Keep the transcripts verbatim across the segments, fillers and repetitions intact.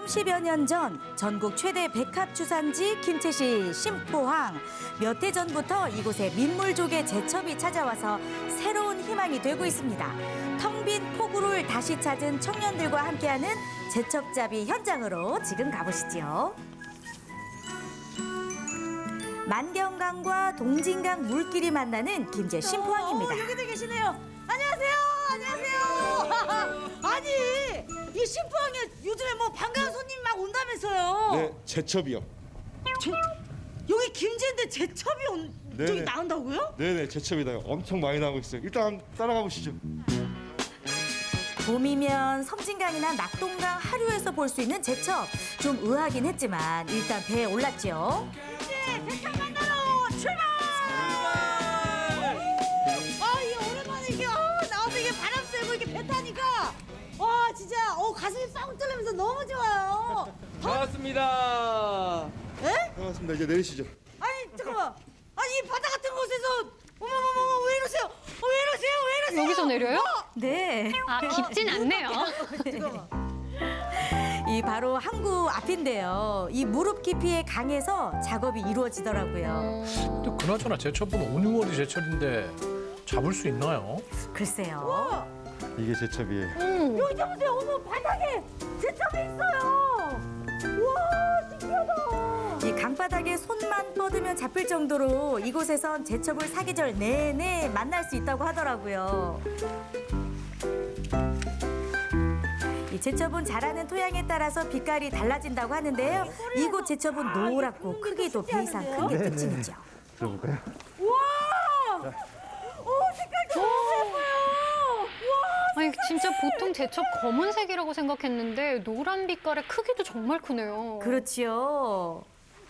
삼십여 년 전 전국 최대 백합 주산지 김제시 신포항. 몇 해 전부터 이곳에 민물조개 제첩이 찾아와서 새로운 희망이 되고 있습니다. 텅 빈 포구를 다시 찾은 청년들과 함께하는 제첩잡이 현장으로 지금 가보시죠. 만경강과 동진강 물길이 만나는 김제 신포항입니다. 어, 여기도 계시네요. 안녕하세요. 안녕하세요. 아니, 이 신포항에 요즘에 뭐 반가운 손님 막 온다면서요. 네, 제첩이요. 제, 여기 김제인데 제첩이 온, 네네. 저기 나온다고요? 네네, 제첩이다. 엄청 많이 나오고 있어요. 일단 따라가 보시죠. 봄이면 섬진강이나 낙동강 하류에서 볼 수 있는 제첩. 좀 의아하긴 했지만 일단 배에 올랐죠. 김제 제첩 만나러 출발! 아, 이게 오랜만에 이게 어, 나와서 이게 바람 쐬고 이게 배 타니까 와 진짜 어 가슴이 빵 뚫리면서 너무 좋아요. 반갑습니다. 에? 반갑습니다. 이제 내리시죠. 아니 잠깐만. 아니 이 바다 같은 곳에서 어머머머 왜 이러세요? 어, 왜 이러세요? 왜 이러세요? 여기서 내려요? 네. 아, 깊진 않네요. 잠깐만. 이 바로 항구 앞인데요. 이 무릎 깊이의 강에서 작업이 이루어지더라고요. 근데 그나저나 제철분 온유월이 제철인데 잡을 수 있나요? 글쎄요. 이게 제첩이에요. 여기 잡으세요. 어머 바닥에 제첩이 있어요. 우와 신기하다. 이 강바닥에 손만 뻗으면 잡힐 정도로 이곳에선 제첩을 사계절 내내 만날 수 있다고 하더라고요. 이 제첩은 자라는 토양에 따라서 빛깔이 달라진다고 하는데요. 이곳 제첩은 노랗고 크기도 배 이상 큰 게 특징이죠. 들어볼까요? 우와. 오 색깔 너무 예뻐요. 아니, 진짜 보통 제첩 검은색이라고 생각했는데 노란 빛깔의 크기도 정말 크네요. 그렇지요.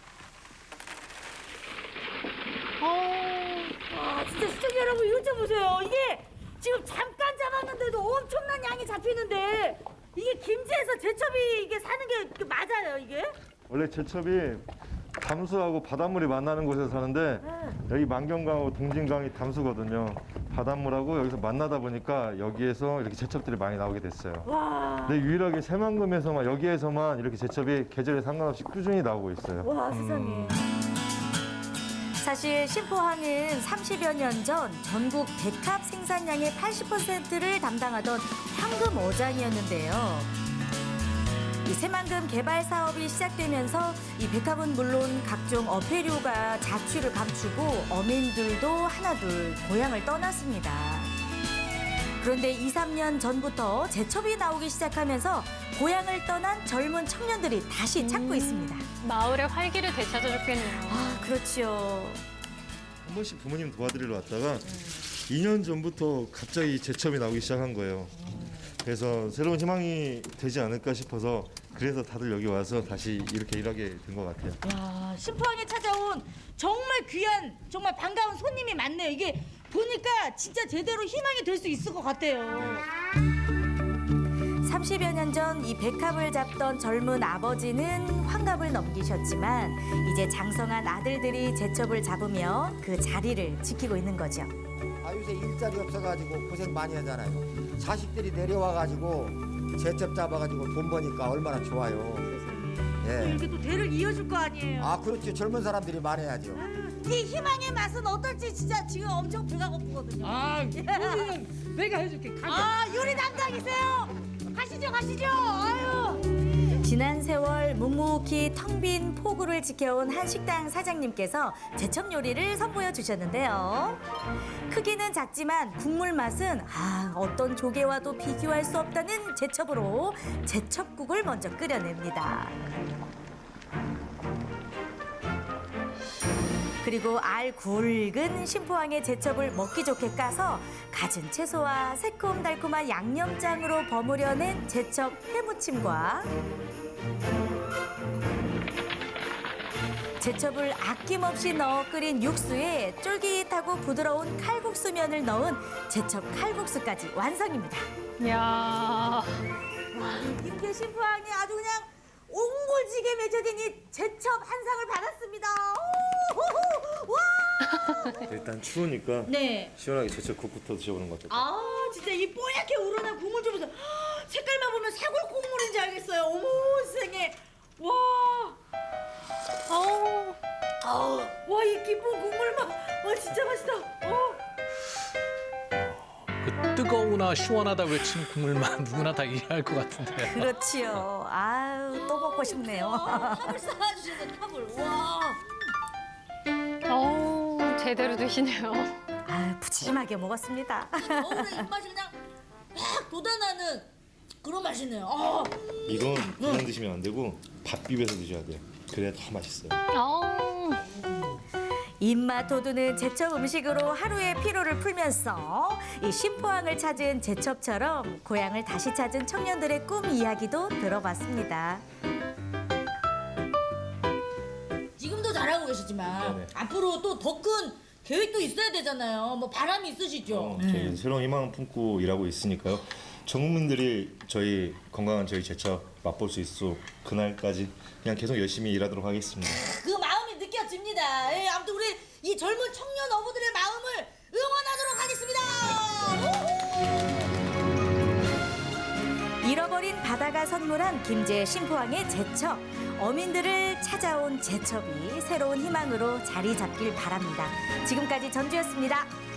어, 와 진짜 시청자 여러분 이것 좀 보세요. 이게 지금 잠깐 잡았는데도 엄청난 양이 잡히는데 이게 김제에서 제첩이 이게 사는 게 이게 맞아요 이게? 원래 제첩이 담수하고 바닷물이 만나는 곳에서 사는데 여기 만경강하고 동진강이 담수거든요. 바닷물하고 여기서 만나다 보니까 여기에서 이렇게 제첩들이 많이 나오게 됐어요. 와. 근데 유일하게 새만금에서만 여기에서만 이렇게 제첩이 계절에 상관없이 꾸준히 나오고 있어요. 와 세상에. 사실 신포항은 삼십여 년 전 전국 백합 생산량의 팔십 퍼센트를 담당하던 황금 어장이었는데요. 이 새만금 개발 사업이 시작되면서 이 백합은 물론 각종 어패류가 자취를 감추고 어민들도 하나둘 고향을 떠났습니다. 그런데 이, 삼 년 전부터 제첩이 나오기 시작하면서 고향을 떠난 젊은 청년들이 다시 찾고 있습니다. 마을의 활기를 되찾아줬겠네요. 아, 그렇죠. 한 번씩 부모님 도와드리러 왔다가 이 년 전부터 갑자기 제첩이 나오기 시작한 거예요. 그래서 새로운 희망이 되지 않을까 싶어서 그래서 다들 여기 와서 다시 이렇게 일하게 된 것 같아요. 야 신포항에 찾아온 정말 귀한 정말 반가운 손님이 많네요. 이게 보니까 진짜 제대로 희망이 될 수 있을 것 같아요. 삼십여 년 전 이 백합을 잡던 젊은 아버지는 환갑을 넘기셨지만 이제 장성한 아들들이 제첩을 잡으며 그 자리를 지키고 있는 거죠. 아 요새 일자리 없어가지고 고생 많이 하잖아요. 자식들이 내려와가지고 제첩 잡아가지고 돈 버니까 얼마나 좋아요. 예. 이렇게 또 대를 이어줄 거 아니에요. 아 그렇죠. 젊은 사람들이 많아야죠. 이 희망의 맛은 어떨지 진짜 지금 엄청 배가 고프거든요. 아, 우리는 내가 해줄게. 가자. 아 요리 담당이세요. 가시죠 가시죠. 아유. 지난 세월 묵묵히 텅 빈 포구를 지켜온 한 식당 사장님께서 제첩 요리를 선보여 주셨는데요. 크기는 작지만 국물 맛은 아, 어떤 조개와도 비교할 수 없다는 제첩으로 제첩국을 먼저 끓여냅니다. 그리고 알 굵은 신포항의 제첩을 먹기 좋게 까서 갖은 채소와 새콤달콤한 양념장으로 버무려낸 제첩 회무침과 제첩을 아낌없이 넣어 끓인 육수에 쫄깃하고 부드러운 칼국수면을 넣은 제첩 칼국수까지 완성입니다. 이야, 와, 이 김제 신포항이 아주 그냥 옹골지게 맺어진 이 제첩 한 상을 받았습니다. 오, 와! 일단 추우니까 네. 시원하게 제첩국부터 드셔보는 것 같아요. 아, 진짜 이 뽀얗게 우러난 국물 좀 보세요. 색깔만 보면 사골 국물인지 알겠어요. 어머, 세상에. 누구나 시원하다 외친 국물만 누구나 다 이해할 것 같은데. 그렇지요. 아유, 또 먹고 싶네요. 탑을 쌓아주시는 탑을. 와. 어우, 제대로 드시네요. 아유, 푸짐하게 먹었습니다. 어울의 입맛이 그냥 확 돋아나는 그런 맛이네요. 어. 이건 그냥 드시면 안 되고 밥 비벼서 드셔야 돼요. 그래야 더 맛있어요. 어우, 입맛 돋우는 제첩 음식으로 하루의 피로를 풀면서 이 신포항을 찾은 제첩처럼 고향을 다시 찾은 청년들의 꿈 이야기도 들어봤습니다. 지금도 잘하고 계시지만 네네. 앞으로 또 더 큰 계획도 있어야 되잖아요. 뭐 바람이 있으시죠? 어, 저희 새로운 희망을 품고 일하고 있으니까요. 전 국민들이 저희 건강한 저희 제첩 맛볼 수 있도록 그날까지 그냥 계속 열심히 일하도록 하겠습니다. 그 마음이 느껴집니다. 예, 아무튼 우리 이 젊은 청년 어부들의 마음을 응원하도록 하겠습니다. 잃어버린 바다가 선물한 김제 신포항의 제첩. 어민들을 찾아온 제첩이 새로운 희망으로 자리 잡길 바랍니다. 지금까지 전주였습니다.